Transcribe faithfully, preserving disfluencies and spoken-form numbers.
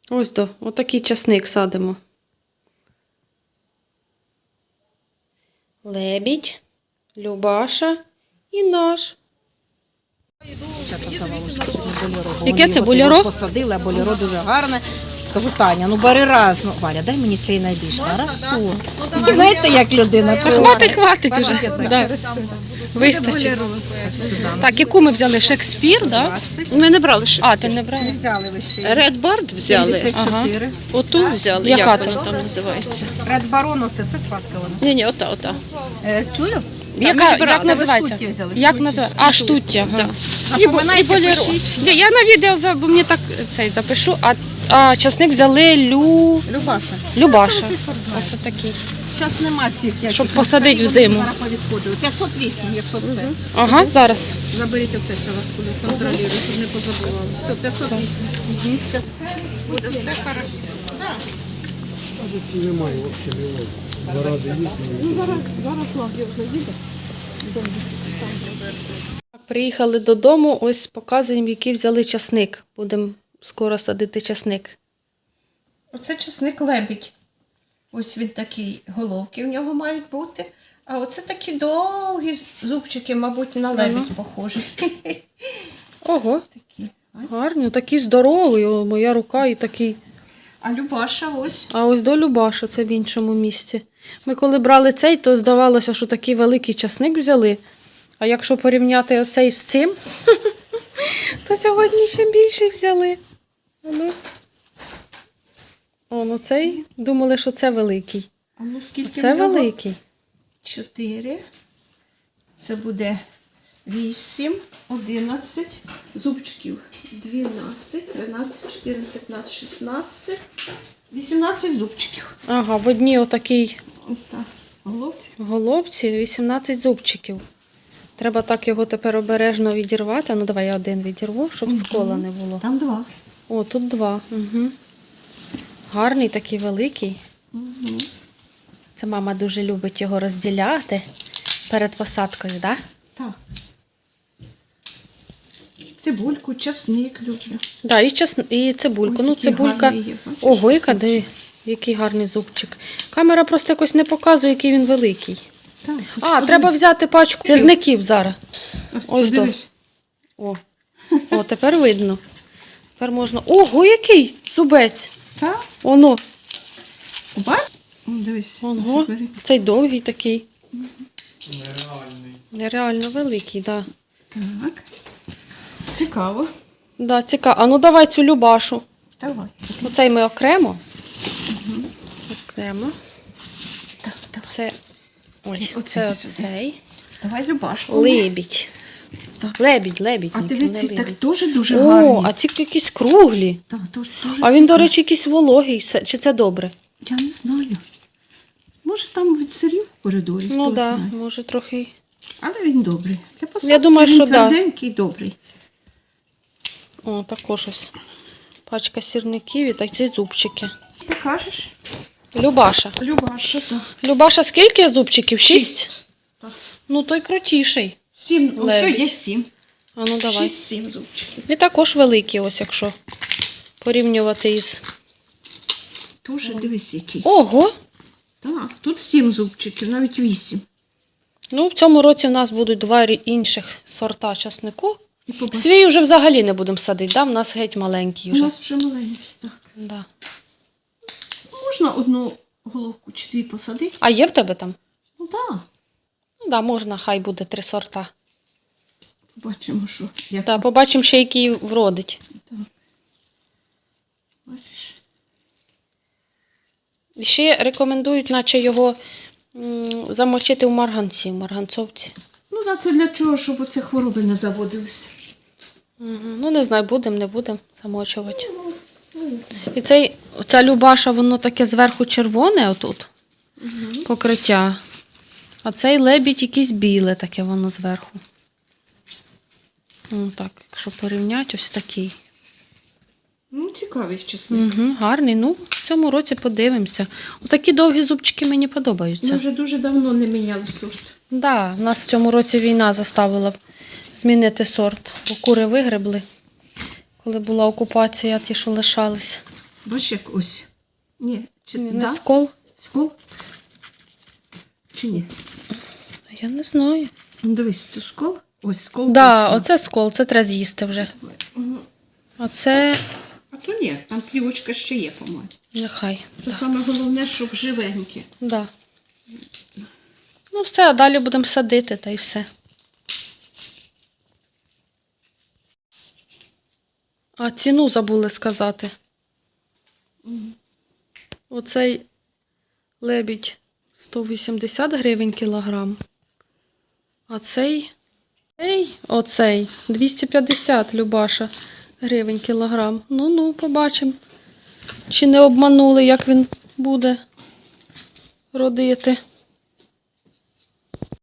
Ось до, отакий часник садимо. Лебідь, Любаша і наш. Яке це боліро? Посадила, боліро дуже гарне. Кажу, Таня, ну бери раз. Ну, Валя, дай мені цей найбільше. Хорошо. І знаєте, як людина. Хватить, хватить уже. Да. Вистачить. Так, яку ми взяли? Шекспір, да? Ми не брали ще. А, ти не брала? Взяли лише. Ред Бард взяли. сімдесят чотири. Оту взяли, Яка як то? вона там називається. Ред Барон, це, це сладка вона. Ні, ні, ота, ота. Е, цю? Яка, ми брали. як Це ви називається? штуті взяли, Як штуті. називається? А, штуття. Ага. Да. І, бо- і боліро. Ні, я на відео за- бо мені так цей запишу, а, а часник взяли Лю... Любаша. Любаша. Це оцей сорт знаю. Ось такий. Зараз нема цих. як Щоб їх, посадити вони взиму. Зараз повідходили. п'ятсот вісім, якщо все. Ага, зараз. Заберіть оце, що вас буде контролюю, щоб не позабували. Все, п'ятсот вісім. Буде все хорошо. Немає взагалі. Два рази їздили. Приїхали додому, ось показуємо, який взяли часник. Будемо скоро садити часник. Оце чесник лебідь. Ось він такий, головки в нього мають бути. А оце такі довгі зубчики, мабуть, на лебідь похожі. Ого, Такі. гарні, такий здоровий, о, моя рука і такий. А Любаша ось. А ось до Любаша, це в іншому місці. Ми коли брали цей, то здавалося, що такий великий часник взяли. А якщо порівняти оцей з цим, то сьогодні ще більше взяли. Ну. О, ну цей, думали, що це великий. А ну скільки Це в нього? великий. Чотири. Це буде вісім, одинадцять зубчиків. Дванадцять, тринадцять, чотирнадцять, п'ятнадцять, шістнадцять, вісімнадцять зубчиків. Ага, в одній отакій Ось так. Головці. головці вісімнадцять зубчиків. Треба так його тепер обережно відірвати. Ну, давай я один відірву, щоб скола не було. Там два. О, тут два. Угу. Гарний, такий великий. Угу. Це мама дуже любить його розділяти перед посадкою, так? Так. Цибульку, часник люблю. Да, і, час... і цибульку. Ось Ну, який цибулька. гарний є, бачиш, Ого, яка де, який гарний зубчик. Камера просто якось не показує, який він великий. Так. А, треба взяти пачку сірників зараз. Ось, Ось до. подивись. О, О, тепер видно. Тепер можна. Ого, який зубець! Так? Оно. Бач? О, дивись. Ого. ось бери. Цей довгий такий. Нереальний. Нереально великий, так. Да. Так. Цікаво. Да, цікаво. А ну давай цю Любашу. Давай. Оцей ми окремо. Окремо. Так, так. Це. Ой, Оцей це сюди. оцей. Давай Любашку. Лебідь. Так. Лебідь, лебідь. А ні, дивіться, не так лебідь. дуже-дуже О, гарні. а ці якісь круглі. Так, дуже, дуже А він, до цікаво. речі, якийсь вологий. Це- Чи це добре? Я не знаю. Може там від сирів в коридорі, Ну хто так, знає. да, може трохи. Але він добрий. Для посадки Я думаю, він що да. тверденький, добрий. О, також ось пачка сірників і такі зубчики. Ти кажеш? Любаша. Любаша, так. Любаша, скільки зубчиків? Шість? Так. Ну, той крутіший. Сім, ну все, Лебідь. є сім. А ну давай. Шість-сім зубчиків. І також великий, ось якщо порівнювати із. Дуже дивись який. Ого! Так, тут сім зубчиків, навіть вісім. Ну, в цьому році в нас будуть два рі- інших сорта часнику. І побач. Свій вже взагалі не будемо садити, да? В нас геть маленький У вже. нас вже маленький, так. Да. Можна одну головку чи дві посадити? А є в тебе там? Ну так. Ну, да, можна, хай буде три сорта. Побачимо, що. Як Та побачимо ще, який вродить. так. Бачиш? І ще рекомендують, наче його м, замочити в марганці, в марганцовці. Ну так, це для чого, щоб оці хвороби не заводилися. Угу. Ну, не знаю, будемо, не будемо замочувати. Ну, не знаю. І цей, ця Любаша, воно таке зверху червоне отут, Угу. покриття. А цей лебідь якийсь біле таке воно зверху. Ну, так, якщо порівняти, ось такий. Ну, цікавий чесник. Угу, гарний. Ну, в цьому році подивимося. Отакі довгі зубчики мені подобаються. Ми вже дуже давно не міняли сорт. Да, в нас в цьому році війна заставила б змінити сорт, бо кури вигребли, коли була окупація, ті, що лишались. Бачиш, як ось. Ні, чи Не да? скол? Скол? Чи ні? Я не знаю. Ну, дивись, це скол? Ось скол. Да, точно. оце скол, це треба з'їсти вже. Мгм. А це А то ні, там плівочка ще є, по-моєму. нехай. Це саме головне, щоб живеньке. Да. Ну все, а далі будемо садити, та й все. А ціну забули сказати. Оцей лебідь сто вісімдесят гривень кілограм. А цей, цей, оцей двісті п'ятдесят, Любаша, гривень кілограм. Ну-ну, побачимо, чи не обманули, як він буде родити.